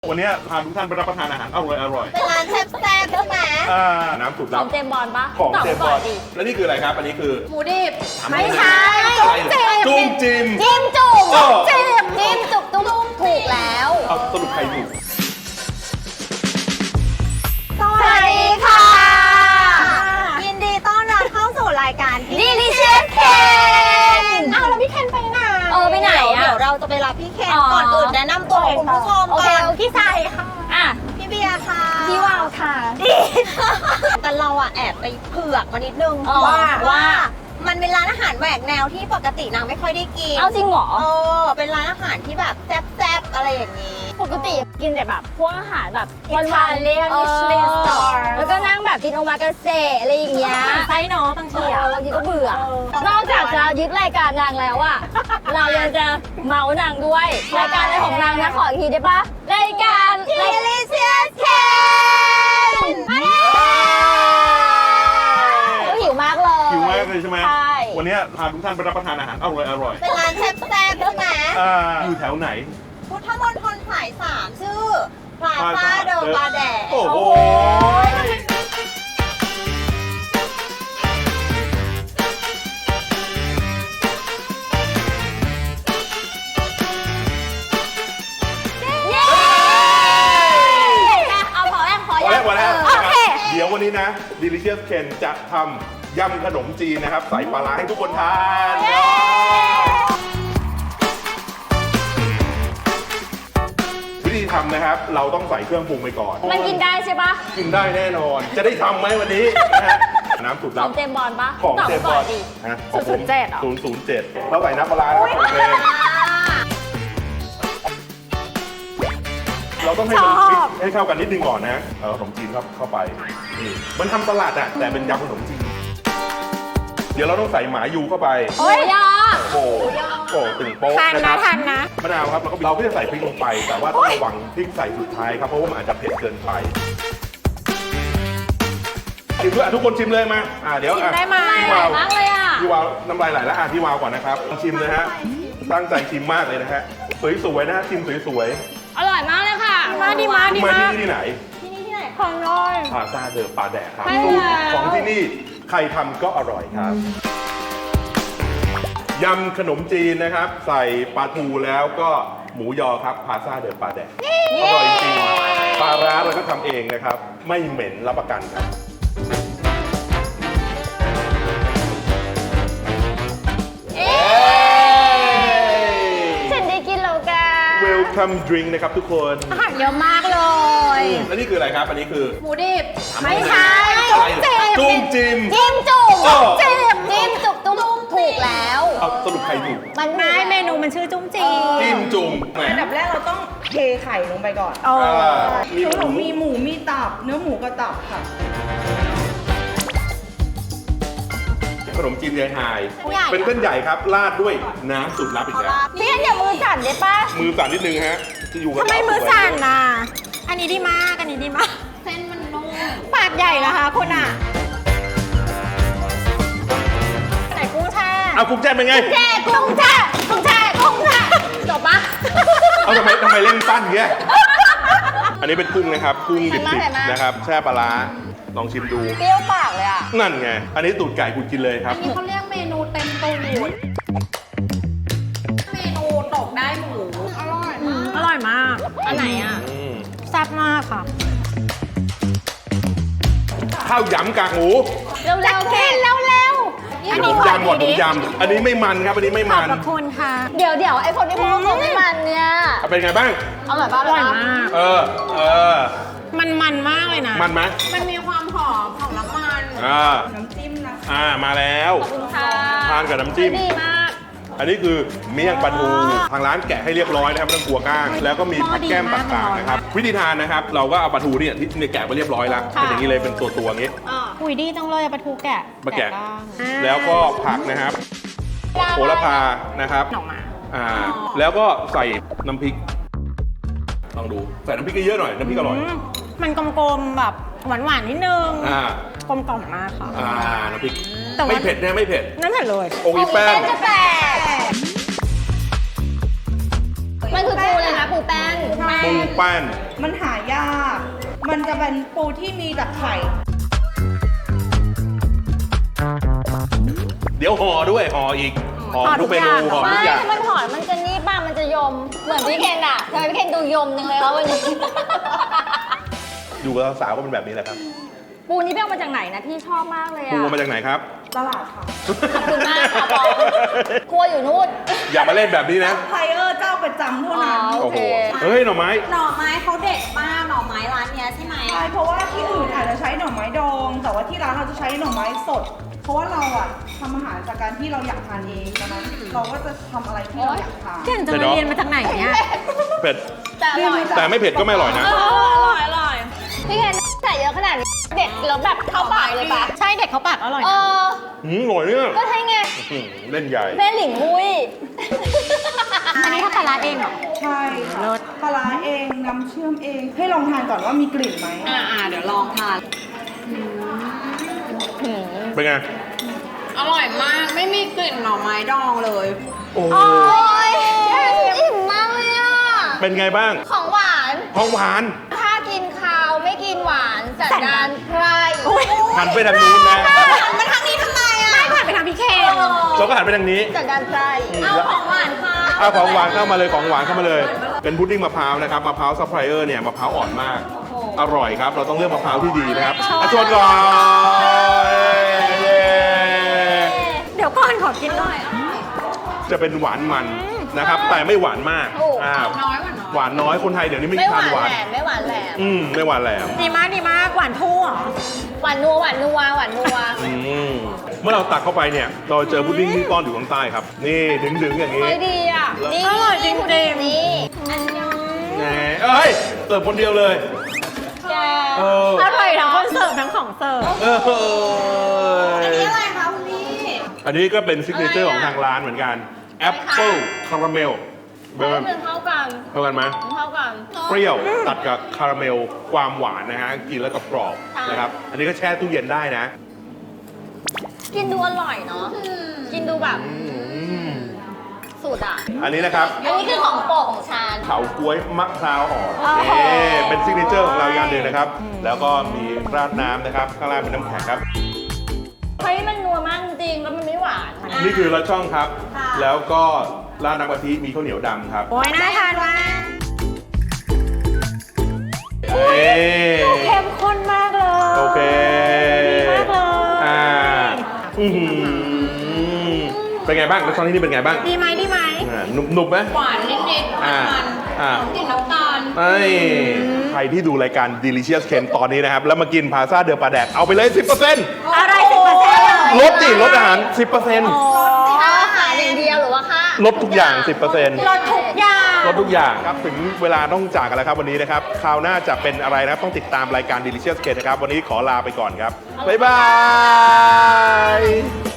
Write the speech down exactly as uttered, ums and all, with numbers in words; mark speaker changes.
Speaker 1: วันนี้พาทุกท่านไปรับประทานอาหารอร่อยอร่อย
Speaker 2: เป็นร้านแซ่บๆใช่ไหม
Speaker 1: อ่าน้ำสุด
Speaker 3: ข
Speaker 1: ลั
Speaker 3: อบ งเจมส์บอลปะ
Speaker 1: ของเจมส์บอล
Speaker 3: ดิ
Speaker 1: แล้วนี่คืออะไรครับอันนี้คือ
Speaker 2: หมูดิบ
Speaker 1: ไม่ใช่จุ้มจิ้ม
Speaker 2: จิ้มจุ่ม
Speaker 1: เออ
Speaker 2: จิ้มจิ้มจุ่มตุ้มถูกแล้ว
Speaker 1: เอาสรุปใครถูก
Speaker 2: สวัสดีค่ะ ยินดีต้อนรับเข้าสู่รายการ Delicious Ken เอาแล้วพี่เคนไปไหน
Speaker 3: เออไปไหนอะ
Speaker 2: เดี๋ยวเราจะไปรับพี่เคน
Speaker 3: อ๋อ
Speaker 2: ก่อนอื่นแนะนำตัวคุณผู้ชม
Speaker 3: โอเค
Speaker 2: ก่อนพี่ใส่ค่ะ
Speaker 3: อ่ะ
Speaker 2: พี่เบียร์ค่ะ
Speaker 3: พี่วาวค่ะ
Speaker 2: แต่เราอะแอบไปเผือกมานิดนึง
Speaker 3: อ๋อ
Speaker 2: ว่า
Speaker 3: ว่า
Speaker 2: มันเป็นร้านอาหารแหวกแนวที่ปกตินางไม่ค่อยได้กิน
Speaker 3: เอาจริงเหรอ
Speaker 2: เออเป็นร้านอาหารที่แบบแซ่บๆอะไรอย่างนี้
Speaker 3: ปกติกินแต่แบบพวกอาหารแบบวันวานเรียกมิชลินสตาร์แล้วก็นั่งแบบกินโอมากาเสะอะไรอย่างเงี้ย
Speaker 2: ไซส์เนาะบางทีอะ
Speaker 3: บางทีก็เบื่อ นอกจากจะยึดรายการนางแล้วอะเรายังจะเมานางด้วย รายการอะไรของนางนะขออีกทีได้ปะรายการ
Speaker 2: Delicious Ken
Speaker 3: ก็หิวมากเลย
Speaker 1: หิวมากเลยใช่ไหม
Speaker 3: ใช่
Speaker 1: วันนี้พาทุกท่านไปรับประทานอาหารอร่อยอร่อย
Speaker 2: เป็นร้านแซ่บๆใช่ไหม
Speaker 1: อ่าอยู่แถวไหน
Speaker 2: พุทธมณฑลสายสามชื่อพลาซ่าเดอปาแดด
Speaker 1: โอ้โห
Speaker 3: เอาพอยังพอ
Speaker 1: พอ
Speaker 3: ยั
Speaker 1: แล้ว
Speaker 3: ง
Speaker 1: พอแล้ว
Speaker 3: โอเค
Speaker 1: เดี๋ยววันนี้นะ Delicious Ken จะทำยำขนมจีนนะครับใส่ปลาร้าให้ทุกคนทานวิธีทำนะครับ เราต้องใส่เครื่องปรุงไปก่อน
Speaker 3: มันกินได้ใช่ปะ
Speaker 1: กินได้แน่นอน จะได้ทำไหมวันนี้นะฮะน้ำสุด
Speaker 3: ข
Speaker 1: ลั
Speaker 3: อบ งเจมส์บอลปะ
Speaker 1: ของ
Speaker 3: ตอบ
Speaker 1: เจมส์บ
Speaker 3: ก่
Speaker 1: อ
Speaker 3: อ
Speaker 1: ล
Speaker 3: นดิ
Speaker 1: ฮะของผม
Speaker 3: ศูนย์ศูนย์เจ็ดเหรอ
Speaker 1: ศูนย์ศูนย์เจ็ดเราใส่น้ำปลาร้าแล้วโอเคเราต้องให้มันมิกซ์ให้เข้ากันนิดนึงก่อนนะเอาขนมจีนเข้าเข้าไปนี่มันทำสลัดอะแต่เป็นยำขนมจีนเดี๋ยวเราต้องใส่หมายูเข้าไป
Speaker 3: โอ้ยยา
Speaker 1: โอ้โหโอ้โหตึงโป๊ะนะครับทันนะมะนาวครับแล้วก็เราก็จะใส่พริกลงไป แต่ว่าต้องระวังพริกใส่สุดท้ายครับเพราะว่ามันอาจจะเผ็ดเกินไปชิมด้วยอ่ะทุกคนชิมเลยมาอ่ะเดี๋ยวอ่ะ
Speaker 3: ได้ไหม
Speaker 1: พี่วาว
Speaker 3: มากเลยอ่ะ
Speaker 1: พี่วาวน้ำลายไหลแล้วอ่ะพี่วาวก่อนนะครับชิมเลยฮะตั้งใจชิมมากเลยนะฮะสวยๆนะฮะชิมสวย
Speaker 3: อร่อยมากเลยค่ะ มาดีมา
Speaker 1: ๆ
Speaker 3: ดี
Speaker 1: มา
Speaker 3: มา
Speaker 1: ที่นี่ที่ไหน
Speaker 2: ที่นี่ที่ไหน
Speaker 3: ของน้อย
Speaker 1: พาซาเดอปลาแดกครับ
Speaker 3: ใช่
Speaker 1: สูตร
Speaker 3: แล้ว
Speaker 1: ของที่นี่ใครทำก็อร่อยครับยำขนมจีนนะครับ ใส่ปลาทูแล้วก็หมูยอครับพาซาเดอปลาแดกอร่อยจริงปลาร้าเราก็ทำเองนะครับ ไม่เหม็นรับประกันครับ
Speaker 3: ฉันได้กินแล้วกัน
Speaker 1: Welcome drink นะครับทุกคน
Speaker 3: อาหารเยอะมากเลย
Speaker 1: แล้วนี่คืออะไรครับ อันนี้คือ
Speaker 2: หมูดิบ
Speaker 3: ไม่ใช่
Speaker 1: จุ้มจิ้ม
Speaker 3: จิ้มจุ่ม
Speaker 1: เออ
Speaker 3: จิ้มจิ้มจุ่มตุ้มถูกแล้ว
Speaker 1: เอาสรุปใครถูก
Speaker 3: มันไม่เมนูมันชื่อจุ้มจีน
Speaker 1: จิ้มจุ่มแหม
Speaker 4: อันดับแรกเราต้องเทไข่ลงไปก่อน
Speaker 1: อ่ามีห
Speaker 4: ขน
Speaker 1: มู
Speaker 4: มมีหมูมีตับ เนื้อหมูกับตับค่ะ
Speaker 1: ขนมจีนยายหาย
Speaker 3: ใหญ่
Speaker 1: เป็นเส้นใหญ่ครับ ราดด้วยน้ำสุดลับอีกแล้ว
Speaker 3: พี่อันอย่ามือสั่นได้ปะ
Speaker 1: มือสั่นนิดนึงฮะ จะอยู่กับ
Speaker 3: ทำไมมือสั่นน่ะ อันนี้ดีมาก อันนี้ดีมาก
Speaker 2: เส้นมันนุ่ม
Speaker 3: ปากใหญ่นะคะคุณอ่ะใส่กุ้งแช่
Speaker 1: เอากุ้งแจ่เป็นไง
Speaker 3: แช่กุ้งแช่กุ้งแช่กุ้งแช่จบปะ
Speaker 1: เอาทำไมทำไมเล่นสั้นเงี้ย อันนี้เป็นกุ้งนะครับ กุ้งดิบ
Speaker 3: เห็นไหม
Speaker 1: ๆนะครับ แช่ปลาร้าลองชิมดู
Speaker 3: เปรี้ยวปากเลยอ่ะ
Speaker 1: นั่นไง อันนี้ตูดไก่คุณกินเลยครับ
Speaker 2: นี่เขาเรียกเมนูเต็มตูดเมนูตกได้หมู อร่อยมาก
Speaker 3: อร่อยมาก อันไหนอ่ะ
Speaker 1: อืม
Speaker 3: แซ่บมากค่ะ
Speaker 1: ข้าวยำกากหมู
Speaker 3: เร็วๆกินเร็วๆ
Speaker 1: เดี๋ยวผมยำก่อนผมยำอันนี้ไม่มันครับ อันนี้ไม่
Speaker 3: ขอ
Speaker 1: มั
Speaker 3: บ
Speaker 1: น
Speaker 3: พระคุณค่ะ เดี๋ยวเดี๋ยวไอ้คนที่พูดว่าเขาไม่มันเนี่ย
Speaker 1: เอาเป็นไงบ้าง
Speaker 3: อร่อยปะอร่อยมาก
Speaker 1: เออ เออ
Speaker 3: มันมันมากเลยนะ
Speaker 1: มันไหม
Speaker 2: มันมีความหอมของน้ำมัน
Speaker 1: อ่า
Speaker 4: น้ำจิ้มนะ
Speaker 1: อ่า มาแล้ว
Speaker 3: ขอบคุณค่ะ
Speaker 1: ทานกับน้ำจิ้ม
Speaker 3: ดีมาก
Speaker 1: อันนี้คือเมี่ยงปลาทูทางร้านแกะให้เรียบร้อยนะครับไม่ต้องกลัวก้าง แล้วก็มีผักแก้มต่างๆนะครับ วิธีทานนะครับ เราก็เอาปลาทูเนี่ยที่เนี่ยแกะไปเรียบร้อยแล้วเป็นอย่างนี้เลยเป็นตัวตัวๆอย่างนี้
Speaker 3: หุยดีจังเลยปลาทูแกะ
Speaker 1: มาแกะ แล้วก็ผักนะครับโหระพานะครับ
Speaker 3: หน่อมา
Speaker 1: อ่า แล้วก็ใส่น้ำพริก ลองดู ใส่น้ำพริกเยอะๆหน่อย น้ำพริกอร่อย
Speaker 3: มันกลมๆแบบหวานๆนิดนึง
Speaker 1: อ่า
Speaker 3: กลมกล่อมมากค่ะ
Speaker 1: อ่า น้ำพริก
Speaker 3: แต่ว่า
Speaker 1: ไม่เผ็ดนะไม่เผ็ด
Speaker 3: นั่นเผ็ดเลย
Speaker 1: โอ้ยแป้ง
Speaker 3: จะแตกมันคือปูเลยนะปูแป้น
Speaker 1: ปูแป้น
Speaker 4: มันหายาก มันจะเป็นปูที่มีแต่ไข่
Speaker 1: เดี๋ยวห่อด้วยห่ออีกห่อทุกเมนูห่อทุ
Speaker 3: ไม่
Speaker 1: กอย่าง
Speaker 3: ถ้ามันถอนมันจะนี่ป่ะมันจะยม เหมือนพี่เคนอะทำไมพี่เคนดูยมจังเลยคะวันนี้
Speaker 1: อยู่กับสาวก็เป็นแบบนี้แหละครับ
Speaker 3: ปูนี้ไปเอามาจากไหนนะพี่ชอบมากเลย
Speaker 1: ปู
Speaker 3: อะ
Speaker 1: มาจากไหนครับ
Speaker 4: ตลาดค่ะ
Speaker 3: ขอบคุณมากค่ะบอลครัวอยู่นู่น
Speaker 1: อย่ามาเล่นแบบนี้นะ
Speaker 4: ไพเออร์เจ้าประจำเท่านั้น
Speaker 3: อ๋อ
Speaker 1: โอ้โห
Speaker 3: โอเค
Speaker 1: เฮ้ยหน่อไม้
Speaker 2: หน่อไม้เขาเด็ดมากหน่อไม้ร้านเนี้ยใช่ไหม
Speaker 4: ใช่เพราะว่าที่อื่นอาจจะใช้หน่อไม้ดอง แต่ว่าที่ร้านเราจะใช้หน่อไม้สด เพราะว่าเราอะทำอาหารจากการที่เราอยากทานเองดังนั้นเราก็จะทำอะไรที่เราอยากทาน
Speaker 2: เก่งจะมาเรียนมาจากไหนเนี่ย
Speaker 1: เผ็ด
Speaker 3: แต่อร่อย
Speaker 1: แต่ไม่เผ็ดก็ไม่อร่อยนะ
Speaker 3: อร่อยอร่อยพี่เคนใส่เยอะขนาดนี้เด็ดแล้วแบบเข้าปากเลยปะ
Speaker 2: ใช่เด็กเขาปากอร่อย
Speaker 3: เอ
Speaker 2: นะ
Speaker 3: อ
Speaker 1: หืมอร่อยเนี่ย
Speaker 3: ก็ใช่ไง
Speaker 1: หืมเล่นใหญ่
Speaker 3: แม่หลิงมุ้ย
Speaker 2: อันนี้ถ้าปลาร้าเองเหรอ
Speaker 4: ใช่ค่ะปลาร้าเองน้ำเชื่อมเอง ให้ลองทานก่อนว่ามีกลิ่นไหม
Speaker 2: อ่าอ่าเดี๋ยวลองทาน
Speaker 1: เป็นไง
Speaker 2: อร่อยมากไม่มีกลิ่นหน่อไม้ดองเลย
Speaker 1: โอ้โห
Speaker 3: โอ้ยอิ่มมากเลยอ่ะ
Speaker 1: เป็นไงบ้าง
Speaker 3: ของหวาน
Speaker 1: ของหวาน
Speaker 3: ถ้ากินคาวไม่กินหวานสันดานไพร
Speaker 1: หันไปทางนู้นนะ
Speaker 2: หันมาทางนี้ทำไมอ่ะไม่ผ่านไปทางพี่เคน
Speaker 1: เราก็หันไปทางนี้
Speaker 3: สันดานไพร
Speaker 2: เอาของหวานค่ะ
Speaker 1: เอาของหวานเข้ามาเลยของหวานเข้ามาเลย เป็นพุดดิ้งมะพร้าวนะครับมะพร้าวซัพพลายเออร์เนี่ยมะพร้าวอ่อนมาก อร่อยครับ เราต้องเลือกมะพร้าวที่ดีนะครับอ่ะชวนก่อนเย้
Speaker 2: เดี๋ยวก่อนขอกินหน่อย
Speaker 1: จะเป็นหวานมันนะครับ แต่ไม่หวานมากอ่า
Speaker 2: น้อยหวานน้อย
Speaker 1: หวานน้อยคนไทยเดี๋ยวนี้ไม่
Speaker 3: ไม่หาน น
Speaker 1: ทาหวาน
Speaker 3: แหลมไม่หวานแหลม
Speaker 1: อืมไม่หวานแหลม
Speaker 2: ดีมากดีมากหวานทู่เหรอ
Speaker 3: หวานนัวหวานนัวหวานนัว
Speaker 1: อืมเมื่อเราตักเข้าไปเนี่ย เราเจอพุดดิ้งที่ต้อนอยู่ข้างใต้ครับ นี่ดึงๆอย่างนี้
Speaker 3: เฮ้ยดีอ่ะนี่
Speaker 2: อร่อยจริงๆ
Speaker 3: นี่
Speaker 1: แหมเอ้ยเสิร์ฟคนเดียวเลย
Speaker 3: แก
Speaker 1: เออ
Speaker 2: อร่อยทั้งคนเสิร์ฟทั้งของเสิร์ฟ
Speaker 1: เออ
Speaker 2: อันนี้อะไรคะคุณพี่
Speaker 1: อันนี้ก็เป็นซิกเนเจอร์ของทางร้านเหมือนกันแอปเปิลคาราเมล
Speaker 3: เฮ้ยมันเข้ากัน
Speaker 1: เท่ากันไหม
Speaker 3: มันเข้ากัน
Speaker 1: เปรี้ยวตัดกับคาราเมลความหวานนะฮะกินแล้วก็กรอบ
Speaker 3: ใช่
Speaker 1: นะครับ อันนี้ก็แช่ตู้เย็นได้นะ
Speaker 3: กินดูอร่อยเนาะกินดูแบบ
Speaker 1: อืม
Speaker 3: สูตรอ่ะ
Speaker 1: อันนี้นะครับ
Speaker 3: อันนี้คือของโปรดของชาญ
Speaker 1: เผาก๊วยมะพร้าวอ่อน
Speaker 3: โอ้โห
Speaker 1: นี่เป็นซิกเนเจอร์ของเราอย่างหนึ่งนะครับ แล้วก็มีราดน้ำนะครับ ข้างล่างเป็นน้ำแข็งครับ
Speaker 3: เฮ้ยมันนัวมากจริงๆแล้วมันไม่หวาน
Speaker 1: นี่คือละช่องครับ
Speaker 2: ค่ะ
Speaker 1: แล้วก็ราดน้ำกะทิมีข้าวเหนียวดำครับ
Speaker 2: โอ้ยน่าทานมาก
Speaker 1: เอ๊ะ
Speaker 2: เข้มข้นมากเลย
Speaker 1: โอเค
Speaker 2: ดีมากเลย
Speaker 1: อ่าอื้อหือเป็นไงบ้างละช่องที่นี่เป็นไงบ้าง
Speaker 2: ดีไหมดีไหม
Speaker 1: อ่าหนุบหนุบไหม
Speaker 2: หวานนิดๆ
Speaker 1: อ่า
Speaker 2: มัน
Speaker 1: อ่า
Speaker 2: ๆกลิ่นน้ำตาล
Speaker 1: ไอ้ใครที่ดูรายการ Delicious Ken ตอนนี้นะครับ แล้วมากินพาซาเดอปลาแดก เอาไปเลย สิบเปอร์เซ็นต์
Speaker 2: อะไรสิบเปอร์เซ็นต์เลย
Speaker 1: ลดดิลดอาหาร สิบเปอร์เซ็นต์
Speaker 3: ค่าอาหารอย่างเดียวหรือว่าค่า
Speaker 1: ลดทุกอย่าง สิบเปอร์เซ็นต์
Speaker 2: รสทุกอย่าง
Speaker 1: ลดทุกอย่างครับ ถึงเวลาต้องจากกันแล้วครับวันนี้นะครับ คราวหน้าจะเป็นอะไรนะครับ ต้องติดตามรายการ Delicious Ken นะครับ วันนี้ขอลาไปก่อนครับ บ๊ายบาย